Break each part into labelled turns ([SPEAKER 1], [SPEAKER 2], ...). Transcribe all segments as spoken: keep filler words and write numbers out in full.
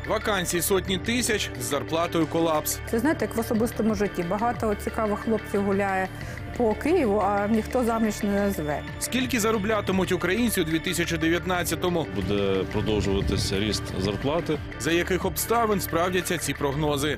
[SPEAKER 1] Вакансій сотні тисяч, з зарплатою колапс.
[SPEAKER 2] Це, знаєте, як в особистому житті. Багато цікавих хлопців гуляє по Києву, а ніхто заміж не назве.
[SPEAKER 1] Скільки зароблятимуть українці у дві тисячі дев'ятнадцятому?
[SPEAKER 3] Буде продовжуватися ріст зарплати.
[SPEAKER 1] За яких обставин справдяться ці прогнози?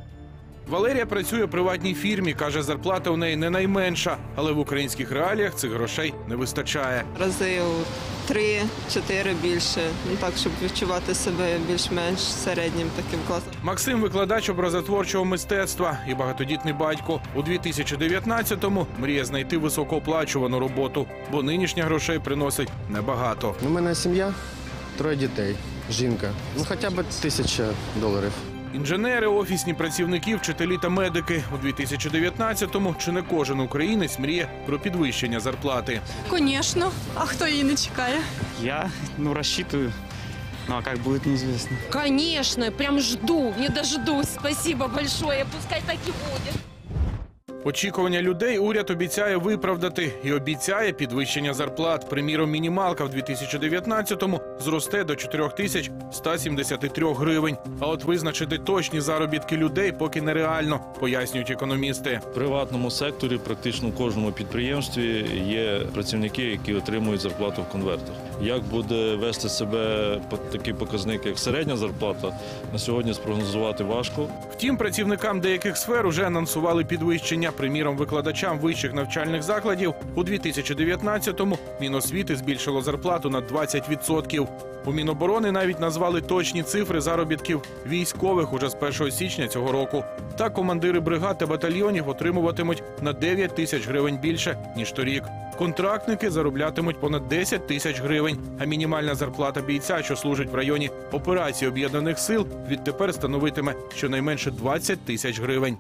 [SPEAKER 1] Валерія працює у приватній фірмі. Каже, зарплата у неї не найменша. Але в українських реаліях цих грошей не вистачає.
[SPEAKER 4] Рази у три-чотири більше, ну так, щоб відчувати себе більш-менш середнім таким класом.
[SPEAKER 1] Максим – викладач образотворчого мистецтва і багатодітний батько. У дві тисячі дев'ятнадцятому мріє знайти високооплачувану роботу, бо нинішня грошей приносить небагато.
[SPEAKER 5] У мене сім'я, троє дітей, жінка. Ну хоча б тисяча доларів.
[SPEAKER 1] Інженери, офісні працівники, вчителі та медики. У дві тисячі дев'ятнадцятому чи не кожен українець мріє про підвищення зарплати.
[SPEAKER 6] Конечно. А хто її не чекає?
[SPEAKER 7] Я, ну, рассчитываю. Ну, а как будет, неизвестно.
[SPEAKER 8] Конечно, прям жду, не дождусь. Спасибо большое, пускай так и будет.
[SPEAKER 1] Очікування людей уряд обіцяє виправдати і обіцяє підвищення зарплат. Приміром, мінімалка в дві тисячі дев'ятнадцятому зросте до чотири тисячі ста сімдесят три гривень. А от визначити точні заробітки людей поки нереально, пояснюють економісти.
[SPEAKER 3] В приватному секторі практично в кожному підприємстві є працівники, які отримують зарплату в конвертах. Як буде вести себе такий показник, як середня зарплата, на сьогодні спрогнозувати важко.
[SPEAKER 1] Втім, працівникам деяких сфер уже анонсували підвищення. Приміром, викладачам вищих навчальних закладів у дві тисячі дев'ятнадцятому Міносвіти збільшило зарплату на двадцять відсотків. У Міноборони навіть назвали точні цифри заробітків військових уже з першого січня цього року. Так, командири бригад та батальйонів отримуватимуть на дев'ять тисяч гривень більше, ніж торік. Контрактники зароблятимуть понад десять тисяч гривень, а мінімальна зарплата бійця, що служить в районі операції Об'єднаних сил, відтепер становитиме щонайменше двадцять тисяч гривень.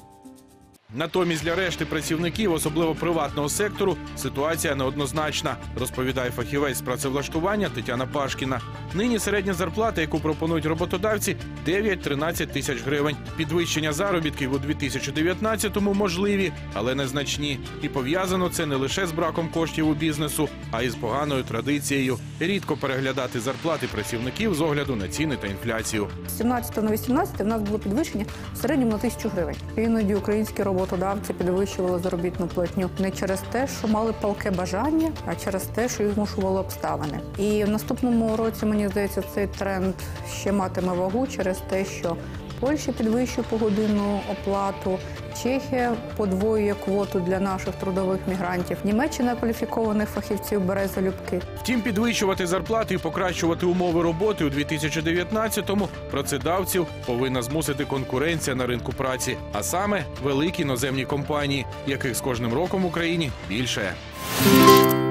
[SPEAKER 1] Натомість для решти працівників, особливо приватного сектору, ситуація неоднозначна, розповідає фахівець з працевлаштування Тетяна Пашкіна. Нині середня зарплата, яку пропонують роботодавці – дев'ять-тринадцять тисяч гривень. Підвищення заробітків у дві тисячі дев'ятнадцятому можливі, але незначні. І пов'язано це не лише з браком коштів у бізнесу, а й з поганою традицією. Рідко переглядати зарплати працівників з огляду на ціни та інфляцію.
[SPEAKER 2] З сімнадцятого на вісімнадцяте в нас було підвищення в середньому на тисячу гривень. Іноді українські роботодавці підвищували заробітну платню не через те, що мали палке бажання, а через те, що їх змушували обставини. І в наступному році, мені здається, цей тренд ще матиме вагу через те, що Польща підвищує погодинну оплату, Чехія подвоює квоту для наших трудових мігрантів, Німеччина кваліфікованих фахівців бере залюбки.
[SPEAKER 1] Втім, підвищувати зарплати і покращувати умови роботи у дві тисячі дев'ятнадцятому працедавців повинна змусити конкуренція на ринку праці, а саме великі іноземні компанії, яких з кожним роком в Україні більше.